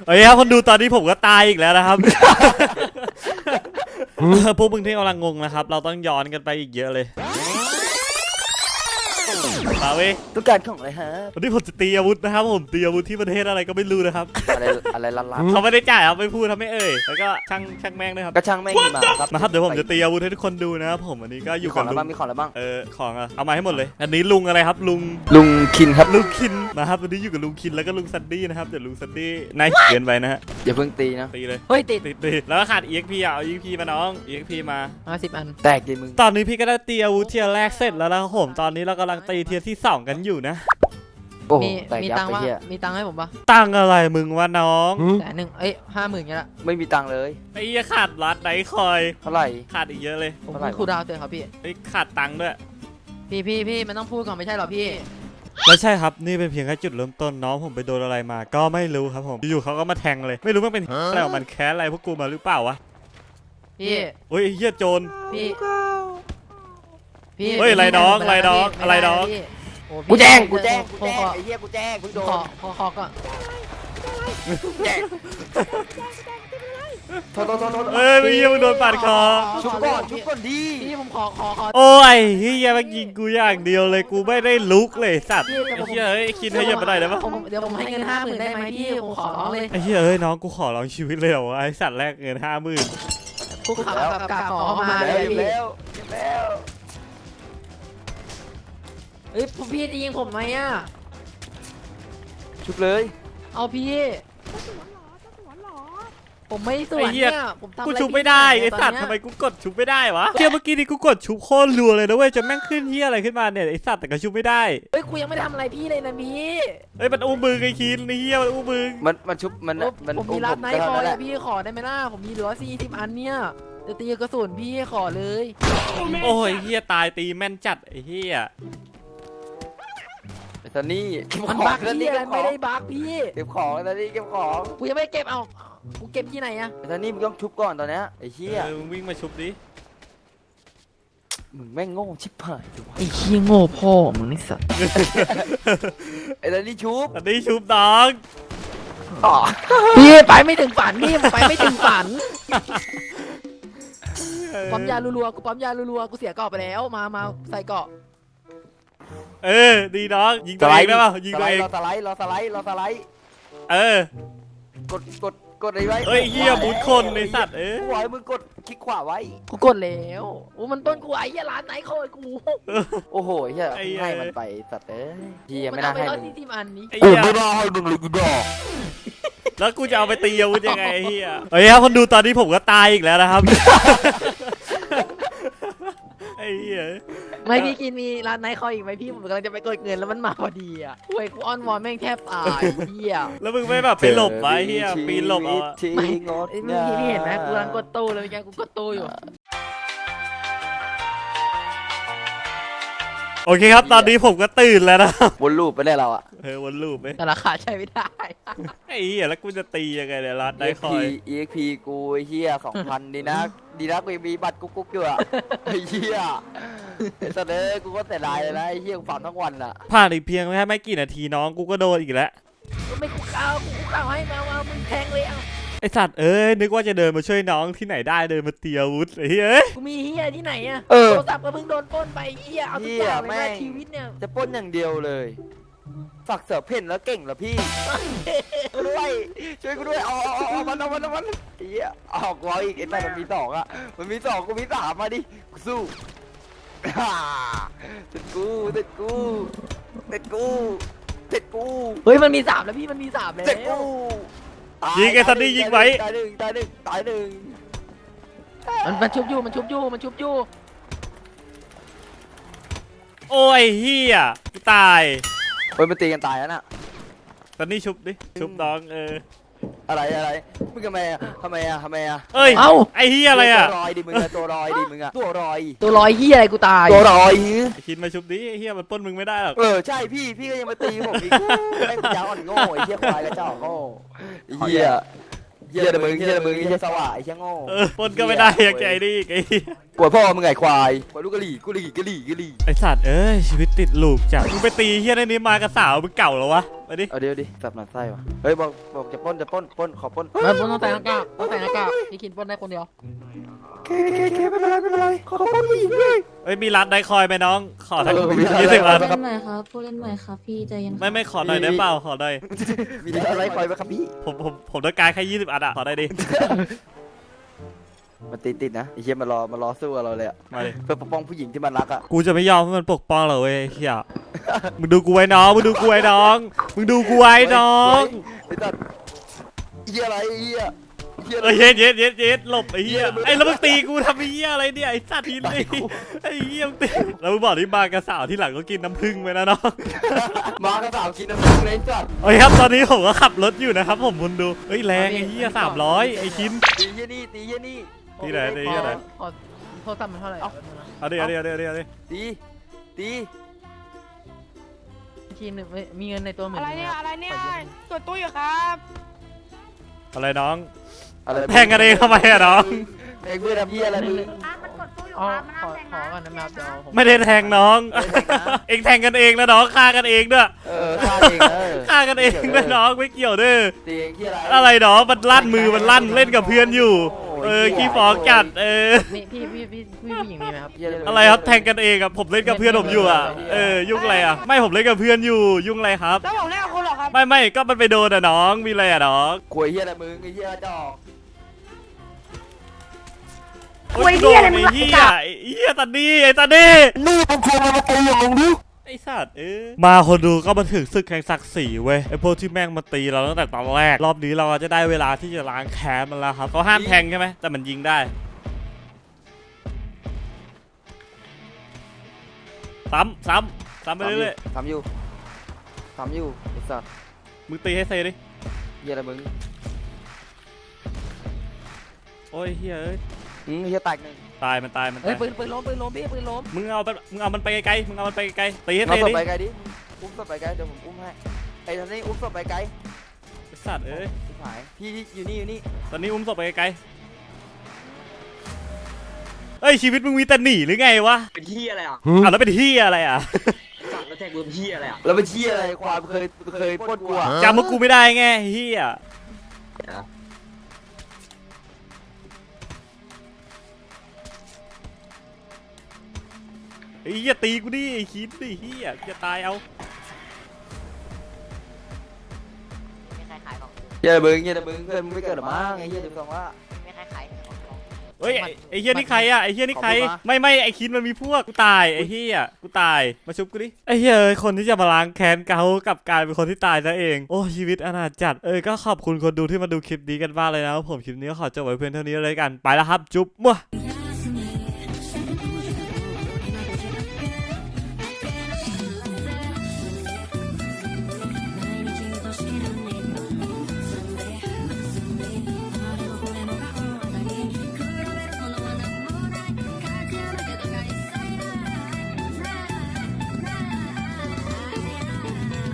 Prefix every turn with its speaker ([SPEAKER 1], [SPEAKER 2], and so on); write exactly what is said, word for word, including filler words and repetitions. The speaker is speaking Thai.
[SPEAKER 1] เฮ้ยครับคนดูตอนนี้ผมก็ตายอีกแล้วนะครับ พวกมึงที่กำลังงงนะครับเราต้องย้อนกันไปอีกเยอะเลยมาเว้ย
[SPEAKER 2] ต้องการของอะไรฮะ
[SPEAKER 1] วันนี้ผมจะตีอาวุธนะครับผมตีอาวุธที่ประเทศอะไรก็ไม่รู้นะครับ
[SPEAKER 2] อะไรอะไรลับ
[SPEAKER 1] เขาไม่ได้จ่ายครับไม่พูดทำไม่เอ่ยแล้วก็ช่างช่างแม่งด้วยครับ
[SPEAKER 2] ๆก็ช่างแม่งมาครับ
[SPEAKER 1] นะครับเดี๋ยวผมจะตีอาวุธให้ทุกคนดูนะครับผมอันนี้ก็อ
[SPEAKER 2] มี
[SPEAKER 1] ยู่
[SPEAKER 2] ข
[SPEAKER 1] กั
[SPEAKER 2] อบ งอะไร
[SPEAKER 1] ลุ
[SPEAKER 2] บ้าง
[SPEAKER 1] ง
[SPEAKER 2] มีของอะไรบ้าง
[SPEAKER 1] เออของอะเอามาให้หมดเลย อันนี้ลุงอะไรครับลุง
[SPEAKER 2] ลุงคินครับ
[SPEAKER 1] ลุงคินนะครับวันนี้อยู่กับลุงคินแล้วก็ลุงซันดี้นะครับเดี๋ยวลุงซันดี้นายเกินไปนะฮะ
[SPEAKER 2] อย่าเพิ่งตีนะ
[SPEAKER 1] ตีเลย
[SPEAKER 3] เฮ้ยติด
[SPEAKER 1] ตีตีแล้วก็ขาด อี เอ็กซ์ พี อ่ะเอา อี เอ็กซ์ พี มาน้อง อี เอ็กซ์ พี มา
[SPEAKER 3] ห้าสิบอัน
[SPEAKER 2] แตกดิมึง
[SPEAKER 1] ตอนนี้พี่ก็ได้ตีอาวุธเทียร์แรกเสร็จแล้วนะครับผมตอนนี้เรากำลังตีเทียร์ที่สองกันอยู่นะ
[SPEAKER 2] โอ้โห
[SPEAKER 3] มี
[SPEAKER 2] แตก
[SPEAKER 3] มี
[SPEAKER 2] ยับ
[SPEAKER 3] ตังค์
[SPEAKER 2] ไป
[SPEAKER 3] ว่า
[SPEAKER 2] เฮีย
[SPEAKER 3] มีตังค์ให้ผมปะ
[SPEAKER 1] ตั้งอะไรมึงวะน้อง
[SPEAKER 3] แต่หนึ่งเอ้ยห้าหมื่นเงี้ยละ
[SPEAKER 2] ไม่มีตังค์เลย
[SPEAKER 1] ไอ้เหี้ยขาดรัดไหนคอย
[SPEAKER 2] เท่าไหร่
[SPEAKER 1] ขาดอีกเยอะเลย
[SPEAKER 3] ผม
[SPEAKER 2] เท่าไหร่
[SPEAKER 3] เพิ่งคูลดาวน์เสร็จครับพี่
[SPEAKER 1] ไอ้ยขาดตังค์ด้วย
[SPEAKER 3] พี่พี่พี่มันต้องพูดก่อนไม่ใช่เหรอพี่
[SPEAKER 1] แล้วใช่ครับนี่เป็นเพียงแค่จุดเริ่มต้นน้องผมไปโดนอะไรมาก็ไม่รู้ครับผมอยู่ๆเขาก็มาแทงเลยไม่รู้มันเป็นอะไรของมันแค้นอะไรพวกกูมาหรือเปล่าวะ
[SPEAKER 3] พี่
[SPEAKER 1] โอ้ยไอ้เหี้ยโจร
[SPEAKER 3] พี่พี่
[SPEAKER 1] เฮ้ยอะไรน้อง
[SPEAKER 3] พี่
[SPEAKER 1] อะไรน้อง
[SPEAKER 3] ม่ด้
[SPEAKER 1] อะไรน้อง
[SPEAKER 3] พี่โอ้พี่
[SPEAKER 2] กูแจ้งกูแจ้งกู
[SPEAKER 3] ขอ
[SPEAKER 2] แจ้ง
[SPEAKER 3] ขอ
[SPEAKER 2] ไอ้เฮียกูแจ้งเพิ่งโด
[SPEAKER 3] ขอน ขอขอก่อน
[SPEAKER 2] แจ้งโทษโทษโทษโทษ
[SPEAKER 1] เอ้ยไอ้เหี้ยมึงโดนปาดคอ
[SPEAKER 2] ชุบก่อนชุบก่อนดี
[SPEAKER 3] พี่ผมขอขอขอ
[SPEAKER 1] โอ้ยเฮียมันยิงกูอย่างเดียวเลยกูไม่ได้ลุกเลยสัตว์
[SPEAKER 3] พี่แต่
[SPEAKER 1] ไอ้
[SPEAKER 3] ผม
[SPEAKER 1] เฮียเอ้ยคิดให้เยอะไปหน่อยได้ปะ
[SPEAKER 3] ผมเดี๋ยวผมให้เงินห้าหมื่นได้ไหมพี่ผมขอร้องเลย
[SPEAKER 1] ไอ้เฮียเอ้ยน้องกูขอลองชีวิตเลยเหรอวะไอ้สัตว์แรกเงินห้าหมื่น
[SPEAKER 3] กูขับกับกาขอเข้ามา
[SPEAKER 2] แล้
[SPEAKER 3] เล
[SPEAKER 2] วย
[SPEAKER 3] พี่
[SPEAKER 2] แล้วแล้ว
[SPEAKER 3] เฮ้ยพี่จะยิงผมไหมอ่ะ
[SPEAKER 2] ชุบเลย
[SPEAKER 3] เอาพี่ผมไม่สวนเนี่ยผมทำอะไร
[SPEAKER 1] กูชุบไม่ได้ไอ้สัตว์
[SPEAKER 3] ต
[SPEAKER 1] ทำ
[SPEAKER 3] อน
[SPEAKER 1] ไม
[SPEAKER 3] เนี้ย
[SPEAKER 1] กูกดชุบไม่ได้วะเฮียเมื่อกี้นี่กูกดชุบโคตรรัวเลยนะเว้ยจะแม่งขึ้นเฮียอะไรขึ้นมาเนี่ยไอ้สัตว์แต่ก็ชุบไม่ได้
[SPEAKER 3] เฮ้ยกูยังไม่ทำอะไรพี่เลยนะพี่
[SPEAKER 1] เฮ้ยมันอู้มือไอ้คินไอ้เฮียมันอู้มือ
[SPEAKER 2] มันมันชุบมัน
[SPEAKER 3] ผม
[SPEAKER 2] มัน
[SPEAKER 3] ผมมีรับไน
[SPEAKER 2] ก็
[SPEAKER 3] ท์ค
[SPEAKER 2] เท่า
[SPEAKER 3] อ
[SPEAKER 2] นั้น
[SPEAKER 3] ย
[SPEAKER 2] แหละ
[SPEAKER 3] พี่ขอได้ไหมล่ะผมมีเหลือสี่สิบอันเนี่ยจะตีกระสุนพี่ขอเลย
[SPEAKER 1] โอ้ยเฮียตายตีแม่นจัดไอ้เฮีย
[SPEAKER 2] ไอ้ซันนี่เก็บ
[SPEAKER 3] มัน
[SPEAKER 2] ของ
[SPEAKER 3] บัก
[SPEAKER 2] ซัน
[SPEAKER 3] พี่
[SPEAKER 2] นี่
[SPEAKER 3] อะไร
[SPEAKER 2] เก็บข
[SPEAKER 3] ไม่
[SPEAKER 2] อง
[SPEAKER 3] ได้บักพี่
[SPEAKER 2] เก็บของซันนี่เก็บของ
[SPEAKER 3] กูยังไม่เก็บเอากูเก็บที่ไหนอะ
[SPEAKER 2] ไอ้ซันนี่มึงต้องชุบก่อนตอนเนี้ยไอ้เหี้ย
[SPEAKER 1] เออมึงวิ่งมาชุบดิ
[SPEAKER 2] มึงแม่งโง่ชิบหายดูวะ
[SPEAKER 3] ไอ้เหี้ยโง่พ่อมึงนี่สัตว์
[SPEAKER 2] ไอ้ซันนี่ชุบ
[SPEAKER 1] อันนี้ชุบน้อง
[SPEAKER 2] อ๋อ
[SPEAKER 3] พี่ไปไม่ถึงฝันพี่ไปไม่ถึงฝันปั๊มยารัวๆกูปั๊มยารัวๆกูเสียเกาะไปแล้วมามาใส่เกาะ
[SPEAKER 1] เออดีน้องยิงตัวเองได้ป่ะยิงตัวเอง
[SPEAKER 2] รอสไลด์รอสไลด์รอสไลด์
[SPEAKER 1] เออ
[SPEAKER 2] กดกดกดอะไรไว้
[SPEAKER 1] เอ้ยเฮียบุญคนไอ้สัตว์เอ้ย
[SPEAKER 2] กูบอกให้มึงกดคลิกขวาไว้
[SPEAKER 3] กูกดแล้วโอ้มันต้นกูไอ้เหี้ยร้านไหนโคตรกู
[SPEAKER 2] โอ้โหเฮีย
[SPEAKER 1] ไอ้เหี้ย
[SPEAKER 2] ให้มันไปสัตว์เอ้ยเฮีย
[SPEAKER 3] มั
[SPEAKER 2] ไม่
[SPEAKER 3] น
[SPEAKER 2] น่า
[SPEAKER 3] เอาไป
[SPEAKER 2] ให้
[SPEAKER 3] ร้อย
[SPEAKER 2] มึง
[SPEAKER 3] สี่สิบอันนี้
[SPEAKER 1] ไอ้เหี้ย
[SPEAKER 2] ให้มึงเลยกูดอก
[SPEAKER 1] แล้วกูจะเอาไปตีอาวุธยังไงไอ้เฮียเฮ้ยครับคนดูตอนนี้ผมก็ตายอีกแล้วนะครับ ไอ้เฮีย
[SPEAKER 3] ไม่พี่กินมีร้านไหนคอยอีกไหมพี่ผมกำลังจะไปกดเงินแล้วมันมาพอดีอ่ะโอ้ยกูอ้อนวอนแม่งแทบตายเหี้ย
[SPEAKER 1] แล้วมึงไม่แบบไปหลบไว้เฮียปีนหลบเอาอะ
[SPEAKER 2] ที่งด
[SPEAKER 3] ไอ้เมื่อกี้พี่เห็นไหมกูกำลังกดตู้เลยเมื่อกี้กูกดตู้อยู่
[SPEAKER 1] โอเคครับตอนนี้ผมก็ตื่นแล้วนะครับ
[SPEAKER 2] วนลูปไปได้เราอะ
[SPEAKER 1] เออวนลูปไหม
[SPEAKER 3] แต่ราคาใช้ไม่ได้
[SPEAKER 1] ไอ้เฮียแล้วกูจะตียังไงเนี่ยรัดได้ค
[SPEAKER 2] เอ็
[SPEAKER 1] อก ย
[SPEAKER 2] พี อี เอ็ก พี กูไอ้เฮียสองพันดีนะดีนะกูยังมีบัตรกุ๊กกุ๊กอยู่อะไอ้เฮียไอ้สัตว์เอ้ยกูก็เสียดายเลยนะไอ้เฮียกูฝันทั้งวันอะ
[SPEAKER 1] ผ่านอีกเพียงแค่ไม่กี่นาทีน้องกูก็โดนอีกแล้ว
[SPEAKER 3] ก็ไม่กูเก่ากูเก่าให้มาเอามึงแทงเลยเอา
[SPEAKER 1] ไอสัตว์เอ้ยนึกว่าจะเดินมาช่วยน้องที่ไหนได้เดินมาตีอาวุธไอ้เฮ้ย
[SPEAKER 3] กูมีเฮียที่ไหนอะ
[SPEAKER 2] เออ
[SPEAKER 3] โทรศัพท์ก็เพิ่งโดนปล้นไปเฮียเอาทุกอย่างเลยนะชีวิตเนี่ย
[SPEAKER 2] จะปล้นอย่างเดียวเลยฝักเสือเพ่นแล้วเก่งเหรอพี่ช่วยด้วยช่วยกูด้วยเอาเอาเอามันเอามันเอามันไอ้เหี้ยออกร้อยอีกไอ้แต่มันมีสองอะมันมีสองกูมีสามมาดิกูสู้ฮ่าติดกูติดกูติดกูติดกู
[SPEAKER 3] เฮ้ยมันมีสามแล้วพี่มันมีสามแล้ว
[SPEAKER 2] ติดกูตา
[SPEAKER 1] ยิงไอ้ซันนี่ยิงไว้
[SPEAKER 2] ตายหนึ่งตายหนึ่งตายหนึ่ง
[SPEAKER 3] มันมันชุบอยู่มันชุบอยู่มันชุบอยู่
[SPEAKER 1] โอ้ยเฮียกูตาย
[SPEAKER 2] เฮ้ยมันตีกันตายแล้วน่ะ
[SPEAKER 1] ตอนนี้ชุบดิชุบน้องเออ
[SPEAKER 2] อะไรอะไรมึงทำไมอะทำไมอะทำไมอะ
[SPEAKER 1] เอ้ย
[SPEAKER 3] เอ้า
[SPEAKER 1] ไอ้เฮียอะไรอ่ะ
[SPEAKER 2] ตัวรอยดิมึงอะตัวรอยดิมึงอะตัวรอย
[SPEAKER 3] ตัวลอยเฮียอะไรกูตาย
[SPEAKER 2] ตัวรอย
[SPEAKER 1] ไอ้คิดมาชุบดิไอ้เฮียมันปล้นมึงไม่ได้หรอก
[SPEAKER 2] เออใช่พี่พี่ก็ยังมาตีผมอีกไอ้ปัญญาอ่อนโง่ไอ้เหี้ยควายกระจอกโง่ไอ้เหี้ยเหี้ยแต่มึงเหี้ยแต่มึงไอ้เหี้ยสว่าไอ้เหี้ยโง่
[SPEAKER 1] เออปล้นก็ไม่ได้อยากใจดิไอ้เหี้ย
[SPEAKER 2] ปวดพ่อมึงไงควายปวดลูกกะหรี่กุหรี่กะหรี่กะหรี่
[SPEAKER 1] ไอสัตว์เอ้ยชีวิตติดลูกจัดมึงไปตีเฮียในนี้มากับสาวมึงเก่าเหรอวะไอดิ
[SPEAKER 2] เอาเดี๋ยวดิสับหนักไส้วะเฮ้ยบอกบอกจะปล้นจะปล้นปล้นขอปล้น
[SPEAKER 3] ไม่ปล้นต้องใส่หน้ากากต้องใส่หน้ากากพี่คินปล้นได้คนเดียว
[SPEAKER 2] เคเคเคไม่เป็นไรไม่เป็นไรขอปล้นผู้หญิงด้วย
[SPEAKER 1] เอ้ยมีร้านไดคอยไหมน้องขอทั้ง
[SPEAKER 2] เออมีร้าน
[SPEAKER 1] ยี่สิบ
[SPEAKER 2] ไดคอย
[SPEAKER 1] ร้าน
[SPEAKER 4] ผู้เล่นใหม่ครับผู้เล่นใหม่ครับพี่ใจเย็นครับ
[SPEAKER 1] ไม่ไม่ขอหน่อยได้เปล่าขอหน่อย
[SPEAKER 2] มีอะไรคอยไหมครับพี่
[SPEAKER 1] ผมผมผมต้องการแค่ยี่สิบอันอะขอได้ดิ
[SPEAKER 2] มันติดติดนะไอ้เหี้ยมารอมารอสู้กับเราเลยอะ
[SPEAKER 1] มาดิ
[SPEAKER 2] เพื่อปกป้องผู้หญิงที่มันรักอะ
[SPEAKER 1] กูจะไม่ยอมให้มันปกป้องเราเว้ยไอ้เฮียมึงดูกูไว้น้องมึงดูกูไว้น้องมึงดูกูไว้น้อง
[SPEAKER 2] ไอ้ตัดเหี้ยอะไรไอ้เหี้ยเหี้ยอะ
[SPEAKER 1] เอ
[SPEAKER 2] ไร
[SPEAKER 1] อเย็ดเย็ดเย็ดเย็ดหลบไอ้เหี้ย
[SPEAKER 2] เหี้ย
[SPEAKER 1] ไอ้แล้วมึงตีกูทำไอ้เหี้ยอะไรเนี่ยไอ้สัตว์ทีนี่ไอ้เหี้ยมึงตีแล้วมึงบอกที่มากระสาวที่หลังก็กินน้ำผึ้งไปนะน้อง
[SPEAKER 2] มากระสาวกินน้ำผึ้งเลยสัตว์
[SPEAKER 1] โอ้ยครับตอนนี้ผมก็ขับรถอยู่นะครับผมคุณดูเฮ้ยแรงไอ้เหี้ยสามร้อยไอ้คิน
[SPEAKER 2] ตีเหี้ยนี่ตีเหี้ยนี่
[SPEAKER 1] ที่ไหนที่ไหน
[SPEAKER 3] ขอโทรศัพท์มันเท่าไหร่
[SPEAKER 1] เอาดิเอาดิเอาดิเอาดิเอาดิ
[SPEAKER 2] ตีตี
[SPEAKER 3] ทีหนึ่งมีเงินในตัวหมื่น
[SPEAKER 5] อะไรเนี่ย อะไรเนี่ย
[SPEAKER 3] ขอยืม
[SPEAKER 5] ตรวจตู้อยู่ครับ
[SPEAKER 1] อะไรน้อง
[SPEAKER 2] อะไร
[SPEAKER 1] แทงกันเองทำไมอะน้อง
[SPEAKER 2] เองเพื่อนทำเหี้ยอะไรมึง
[SPEAKER 4] อ่ะมันกดตู้อยู่
[SPEAKER 3] อ๋อ
[SPEAKER 4] ครับมัน
[SPEAKER 3] ขอ
[SPEAKER 4] น้ำแดง
[SPEAKER 3] ขอ
[SPEAKER 4] นะ
[SPEAKER 3] ก่อนนะแมวเดี๋ยวผม
[SPEAKER 1] ไม่ได้แทงน้อง
[SPEAKER 2] ไม่ได้แทงนะ
[SPEAKER 1] เองแทงกันเองนะน้องฆ่ากันเองด้วย
[SPEAKER 2] เออฆ่าเองเออ
[SPEAKER 1] ฆ่ากันเองด้วยน้องไม่เกี่ยวเด้อ
[SPEAKER 2] ตีเองเหี้ยอะไร
[SPEAKER 1] อะไรน้องมันลั่นมือมันลั่นเล่นกับเพื่อนอยู่ เออขี้ฟ้องจัดเออ
[SPEAKER 3] มีพี่พี่พี่พี่ผู้หญิงมีไหมครับ
[SPEAKER 2] เหี้ย
[SPEAKER 1] อะไรครับแทงกันเองอะผมเล่นกับเพื่อนผมอยู่อะเออยุ่งอะไรอะไม่ผมเล่นกับเพื่อนอยู่ยุ่งอะไรครับ
[SPEAKER 5] แล้วผมเล่นกับคุณเหรอครับ
[SPEAKER 1] ไม่ไม่ก็มันไปโดนอะน้องมีอะไรอะน้อง
[SPEAKER 2] กลัวเหี้ยอะไรมึงไอ้เหี้ยดอก
[SPEAKER 1] โอ้ยโดนไอ้เหี้ยไอ้เหี้ยตันนี่ไอ้ตันนี่
[SPEAKER 2] นี่มึงควรมาตีอย่างมึงดิ
[SPEAKER 1] ไอ้สัตว์เออมาคนดูก็มาถึงศึกแห่งศักดิ์ศรีเว้ยไอ้พวกที่แม่งมาตีเราตั้งแต่ตอนแรกรอบนี้เราจะได้เวลาที่จะล้างแค้นมันแล้วครับเขาห้ามแทงใช่ไหมแต่มันยิงได้ซ้ำซ้ำซ้ำไปเรื่อย
[SPEAKER 2] ทำอยู่ทำอยู่ไอ้สัตว์
[SPEAKER 1] ๆมึงตีให้เซดิ
[SPEAKER 2] เหี้ยอะไรมึง
[SPEAKER 1] โอ้ยเฮ้ยเอ้ย
[SPEAKER 2] อืมเหี้ยแตกหนึ่ง
[SPEAKER 1] ตายมันตายมัน
[SPEAKER 3] เฮ้
[SPEAKER 1] ตาย ย
[SPEAKER 3] ปืนปืนล้มปืนล้มพี่ปืนล้ม
[SPEAKER 1] มึงเอาไปมึงเอามันไปไกลๆมึงเอามันไปไกลๆตีให้
[SPEAKER 2] เอา
[SPEAKER 1] เซ
[SPEAKER 2] ศพ
[SPEAKER 1] ดิ
[SPEAKER 2] ไปไกลดิอุ้มศพไปไกลเดี๋ยวผมอุ้มให้ไอ้ท่านนี้อุ้มศพไปไกล
[SPEAKER 1] ไอ้สัตว์เอ้ย
[SPEAKER 2] ชิบหายพี่อยู่นี่อยู่นี่
[SPEAKER 1] ตอนนี้อุ้มศพไปไกลๆเอ้ยชีวิตมึงมีแต่หนีหรือไงวะ
[SPEAKER 6] เป็นที่อะไรอ่ะ
[SPEAKER 1] อ่ะแล้วเป็นที่อะไรอ่ะ
[SPEAKER 6] สั่งแล้วแท็กเบอร์ที่อะไรอ่ะ
[SPEAKER 2] แล้วไปเชี่ยอะไรความเคยเคยปล้นกูอะ
[SPEAKER 1] จำพวกกูไม่ได้ไงเฮียไอ้เหี้ยตีกูดิไอ้คิดดิเฮียจะตายเอา
[SPEAKER 4] ไม่ใครขายของ
[SPEAKER 2] เหี้ยอะไรมึงเหี้ยอะไรมึงเพื่อนมึงไม่เกิดหรอมั้งไอ้เหี้ยเดี๋ยวฟังว่า
[SPEAKER 4] ไม่ใครขายของ
[SPEAKER 1] เฮ้ยไอ้ไอ้เฮียนี่ใครอ่ะไอ้เฮียนี่ใคร
[SPEAKER 2] ขอบคุณนะ
[SPEAKER 1] ไม่ไม่ไอ้คิดมันมีพวกกูตายไอ้เฮียกูตายมาชุบกูดิไอ้เฮียเอ้ยคนที่จะมาล้างแค้นเขากลับกลายเป็นคนที่ตายซะเองโอ้ชีวิตอนาถจัดเออก็ขอบคุณคนดูที่มาดูคลิปนี้กันมากเลยนะครับผมคลิปนี้ก็ขอจบไว้เพียงเท่านี้เลยกันไปแล้วครับจุ๊บมั่ว
[SPEAKER 4] แค่